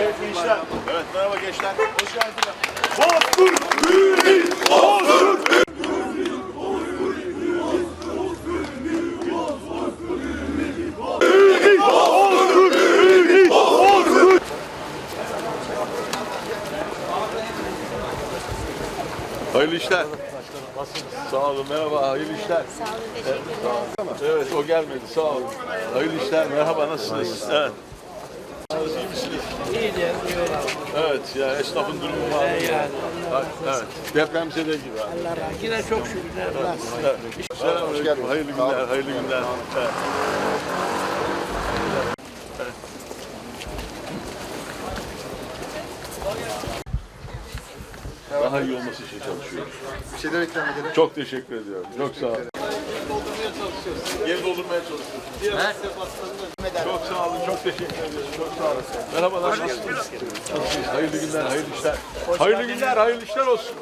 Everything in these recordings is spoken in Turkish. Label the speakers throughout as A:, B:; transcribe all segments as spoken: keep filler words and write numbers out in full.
A: Evet gençler. Evet merhaba gençler. Hoş geldiniz. Bozkurt Ümit! Bozkurt Ümit! Hayırlı işler. Sağ olun, merhaba, hayırlı işler.
B: Sağ olun, teşekkür ederim.
A: Evet, o gelmedi, sağ olun. Hayırlı işler, merhaba, nasılsınız? Evet. İyi misiniz?
C: İyi diyelim,
A: Evet, ya esnafın durumu var.
C: yani.
A: Evet, depremzede gibi.
C: Allah razı olsun. Yine çok şükür. Allah.
A: Evet. Selamünaleyküm, hayırlı günler, hayırlı günler. Evet. Daha iyi olması için çalışıyoruz.
D: Bir şeyler ikram edelim.
A: Çok teşekkür ediyorum. Çok sağ olun. Doldurmaya çalışıyoruz. Geri doldurmaya çalışıyoruz. Diğer çok sağ olun. Çok teşekkür ediyorum. Çok sağ olun. Merhabalar. Nasılsınız? Nasılsınız? Hayırlı günler, hayırlı işler. Hayırlı günler, hayırlı işler olsun.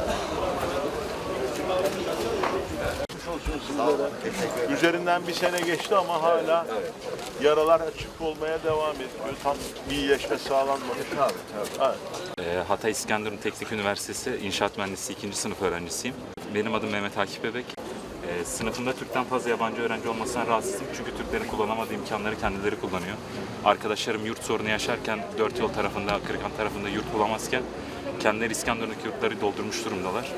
A: Üzerinden bir sene geçti ama hala yaralar açık olmaya devam ediyor. Tam bir iyileşme sağlanmadı. Tabii, tabii. Evet.
E: Hatay İskenderun Teknik Üniversitesi İnşaat Mühendisliği ikinci sınıf öğrencisiyim. Benim adım Mehmet Akif Bebek. E, sınıfımda Türk'ten fazla yabancı öğrenci olmasından rahatsızım çünkü Türklerin kullanamadığı imkanları kendileri kullanıyor. Arkadaşlarım yurt sorunu yaşarken dört yol tarafında, Kırıkan tarafında yurt bulamazken kendileri İskenderun'daki yurtları doldurmuş durumdalar.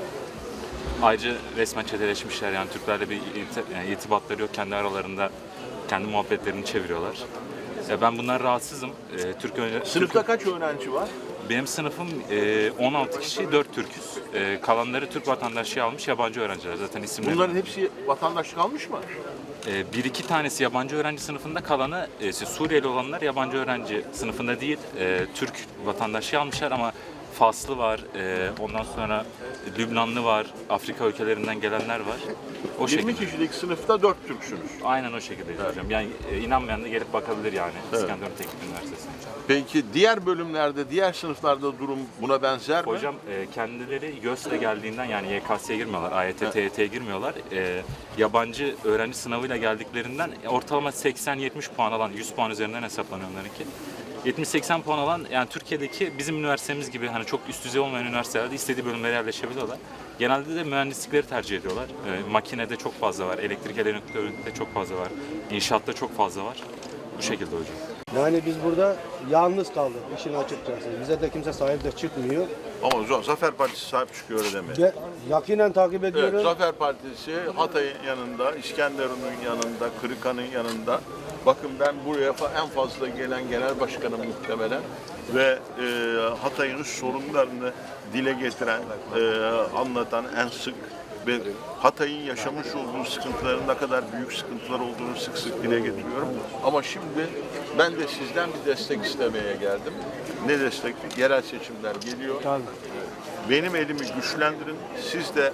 E: Ayrıca resmen çeteleşmişler, yani Türklerle bir irtibatları yok, kendi aralarında kendi muhabbetlerini çeviriyorlar. E, ben bundan rahatsızım. E, Türk
A: Sınıfta
E: Türk
A: kaç öğrenci var?
E: Benim sınıfım e, on altı kişi, dört Türk'üz. E, kalanları Türk vatandaşlığı almış yabancı öğrenciler. Zaten isimleri.
A: Bunların hepsi vatandaşlık almış mı?
E: E, bir iki tanesi yabancı öğrenci sınıfında, kalanı e, Suriyeli olanlar yabancı öğrenci sınıfında değil, e, Türk vatandaşlığı almışlar ama Faslı var, e, ondan sonra Lübnanlı var, Afrika ülkelerinden gelenler var. O
A: yirmi
E: şekilde.
A: kişilik sınıfta dört Türksünüz.
E: Aynen o şekilde hocam. Yani e, inanmayan da gelip bakabilir yani
A: Evet.
E: İskenderun Teknik Üniversitesi'ne.
A: Peki diğer bölümlerde, diğer sınıflarda durum buna benzer mi?
E: Hocam e, kendileri YÖS'le geldiğinden, yani Y K S'ye girmiyorlar, A Y T, T Y T'ye girmiyorlar. E, yabancı öğrenci sınavıyla geldiklerinden ortalama seksen yetmiş puan alan, yüz puan üzerinden hesaplanıyor onlarınki. yetmiş seksen puan alan, yani Türkiye'deki bizim üniversitemiz gibi hani çok üst düzey olmayan üniversitelerde istediği bölümlere yerleşebiliyorlar. Genelde de mühendislikleri tercih ediyorlar. E, makinede çok fazla var, elektrik elektronikte çok fazla var, inşaatta çok fazla var. Bu şekilde hocam.
D: Yani biz burada yalnız kaldık işin açıkçası. Bize de kimse sahip de çıkmıyor.
A: Ama hocam Zafer Partisi sahip çıkıyor öyle demek.
D: Ve yakinen takip
A: Evet,
D: ediyoruz.
A: Zafer Partisi Hatay'ın yanında, İskenderun'un yanında, Kırıkan'ın yanında. Bakın ben buraya en fazla gelen genel başkanım muhtemelen ve e, Hatay'ın sorunlarını dile getiren, e, anlatan en sık ve Hatay'ın yaşamış olduğu sıkıntıların ne kadar büyük sıkıntılar olduğunu sık sık dile getiriyorum. Ama şimdi ben de sizden bir destek istemeye geldim. Ne destek? Yerel seçimler geliyor.
D: Tabii.
A: Benim elimi güçlendirin. Siz de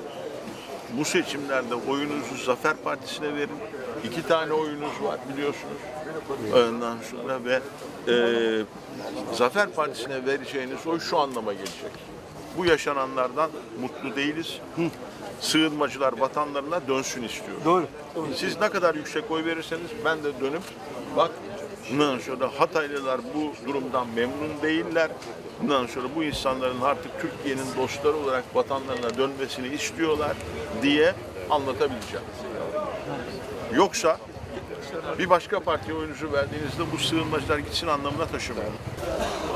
A: bu seçimlerde oyunuzu Zafer Partisi'ne verin. İki tane oyunuz var biliyorsunuz. Ondan sonra ve e, Zafer Partisi'ne vereceğiniz oy şu anlama gelecek. Bu yaşananlardan mutlu değiliz. Sığınmacılar vatanlarına dönsün istiyorum.
D: Doğru.
A: Siz ne kadar yüksek oy verirseniz ben de dönüp bak bundan sonra Hataylılar bu durumdan memnun değiller. Bundan sonra bu insanların artık Türkiye'nin dostları olarak vatanlarına dönmesini istiyorlar diye anlatabileceğim. Yoksa bir başka partiye oyunuzu verdiğinizde bu sığınmacılar gitsin anlamına taşımıyor.